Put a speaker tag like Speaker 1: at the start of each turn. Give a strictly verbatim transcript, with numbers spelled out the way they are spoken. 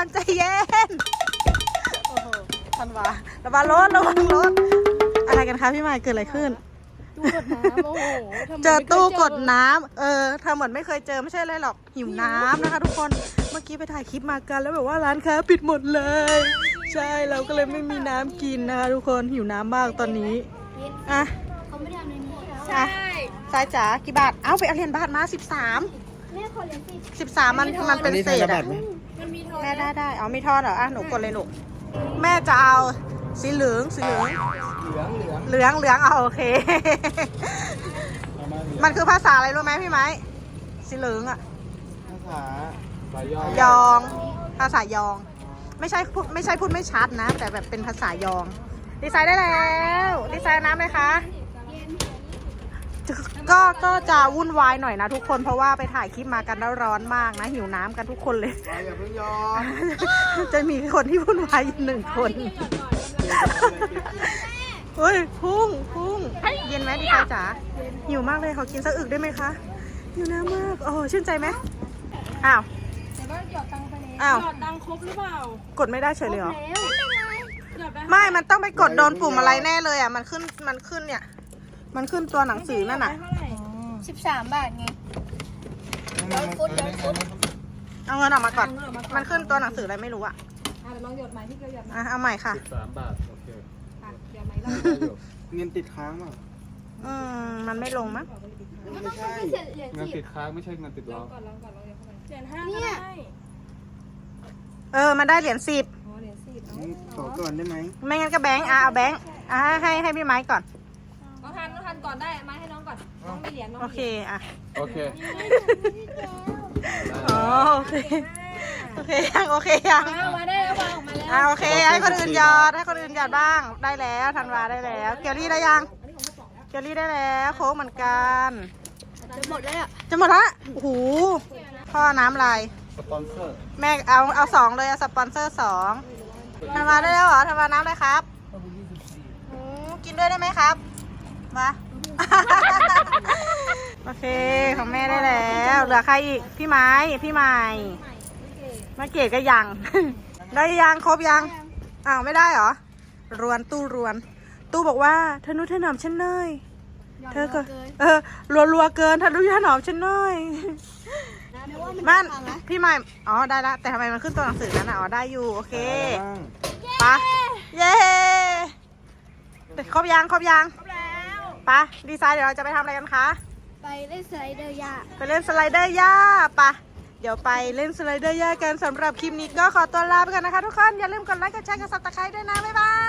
Speaker 1: อนใจเย็นโอ้โหทันวาระวังรถระวังรถอะไรกันคะพี่ใหม่เกิดอะไรขึ้น
Speaker 2: ตู้กดน้ำโอ้โห
Speaker 1: เจอตู้กดน้ำเออทำเหมือนไม่เคยเจอไม่ใช่เลยหรอกหิวน้ำนะคะทุกคนเมื่อกี้ไปถ่ายคลิปมากันแล้วแบบว่าร้านค้าปิดหมดเลยใช่เราก็เลยไม่มีน้ำกินนะคะทุกคนหิวน้ำมากตอนนี้อ่ะ
Speaker 2: เขาไม่ได้ทำในนี้ใช่
Speaker 1: สายจ๋ากี่บาทเอ้าไปเอาเหรียญบาทมาสิบสาม
Speaker 2: แม่ขอเหรียญสิ
Speaker 1: สิบสามมันมันเป็นเศษอ่ะ
Speaker 2: มันมีทอน
Speaker 1: แม่ได้ได้เอามีทอนเหรออ่ะหนูกดเลยลูกแม่จะเอาสีเหลืองสีเหลือง
Speaker 3: เหลืองเหลือง
Speaker 1: เหลืองเหลืองเอาโอเค มันคือภาษาอะไรรู้ไหมพี่ไม้สีเหลืองอ่ะ
Speaker 3: ภาษาสายย่อย
Speaker 1: ยอง ภาษายอง ไม่ใช่พูดไม่ใช่พูดไม่ชัดนะ แต่แบบเป็นภาษายอง ดีไซน์ได้แล้วดีไซน์น้ำเลยคะก็ก็จะวุ่นวายหน่อยนะทุกคนเพราะว่าไปถ่ายคลิปมากันแล้วร้อนมากนะหิวน้ำกันทุกคนเลย
Speaker 3: อย่าเพิ่งยอม
Speaker 1: จะมีคนที่วุ่นวายอยู่หนึ่งคนเฮ้ยพุ่งพุ่งเย็นไหมดีไซน์จ๋าหิวมากเลยขอกินสักอึกได้ไหมคะหิวน้ำมากโอ้ชื่นใจไหมอ้าว
Speaker 2: แต่ว่าหยอดตังค์ไปแล้ว
Speaker 1: อ้าว
Speaker 2: หยอดตังค์ครบหรือเปล่าก
Speaker 1: ดไม่ได้เฉยเลยเหรอ
Speaker 2: หยอดไป
Speaker 1: ไม่ มันต้องไปกดโดนปุ่มอะไรแน่เลยอ่ะ มันขึ้น มันขึ้นเนี่ย มันขึ้นตัวหนังสือนั่นน่ะ
Speaker 2: เท่าไหร่สิบสามบาทไงย้อนฟุตย้อนฟุต
Speaker 1: เอาเงินออกมาก่อน มันขึ้นตัวหนังสืออะไรไม่รู้อ่ะ
Speaker 2: อ่ะเดี๋ยวลองหยอดใหม่ที่เกียวหยอดใหม่
Speaker 1: อ่ะเอาใหม่ค่ะ
Speaker 4: สิบสามบาท โอเค
Speaker 2: อ่ะหยอดใหม่รอบ
Speaker 3: เงินติดค้างอ่ะ
Speaker 1: อืม มันไม่ลงมั้ง
Speaker 3: ไม่ใช่
Speaker 4: เงินติดค้างไม่ใช่เงินติดล้อ
Speaker 2: ก่อนลองก่อนลองเหรียญห้าก็ได้
Speaker 1: เออ มันได้เหรียญสิบ
Speaker 2: อ๋อเหรียญสิบ
Speaker 3: ขอก่อนได้ไหม
Speaker 1: ไม่งั้นก็แบงค์อ่ะเอาแบงค์อ่ะให้ให้ให้พี่ไม้ก่อน
Speaker 2: น้องทันน้องทันก่อนได้มาให้น้องก่อนน้องมีเหรียญน้อง
Speaker 1: โอเค อ่ะ
Speaker 4: โอเค
Speaker 1: อ๋อ โอเค โอเคยังโอเคยัง
Speaker 2: เอามาได้แล้ววางออกมาแล้ว
Speaker 1: อ่ะโอเค ให้คนอื่นหยอด ให้คนอื่นหยอดบ้าง ได้แล้วธันวาได้แล้ว เกียวรี่ได้ยัง เกียวรี่ได้แล้ว โค้กเหมือนกัน
Speaker 2: จะหมดแล้ว
Speaker 1: จะหมดละ โอ้โห พ่อน้ำลาย
Speaker 4: สปอนเซอร์
Speaker 1: แม่เอาเอาสองเลยเอาสปอนเซอร์สองธันวาได้แล้วเหรอธันวาน้ำเลยครับอืมกินด้วยได้ไหมครับมา โอเคของแม่ได้แล้วเหลือใครอีกพี่ไม้พี่ใหม่มาเกดก็ยัง ได้ยังครบยังอ้าวไม่ได้เหรอรวนตู้รวน ตู้บอกว่าธนุถนอมฉันหน่อยเธอก็เออรัวรัวเกินธนุถนอมฉันหน่อยมันพี่ใหม่อ๋อได้ละแต่ทำไมมันขึ้นตัวหนังสือนั้นอ่ะอ๋อได้อยู่โอเคปะเย้ครบยังครบยังปะดีไซน์เดี๋ยวเราจะไปทำอะไรกันคะ
Speaker 2: ไปเล่นสไลเดอร์ยา
Speaker 1: ไปเล่นสไลเดอร์หญ้าปะเดี๋ยวไปเล่นสไลเดอร์หญ้ากันสำหรับคลิปนี้ก็ขอตัวลาไปกันนะคะทุกคนอย่าลืมกดไลค์กดแชร์กดซับสไครต์ด้วยนะบ๊ายบาย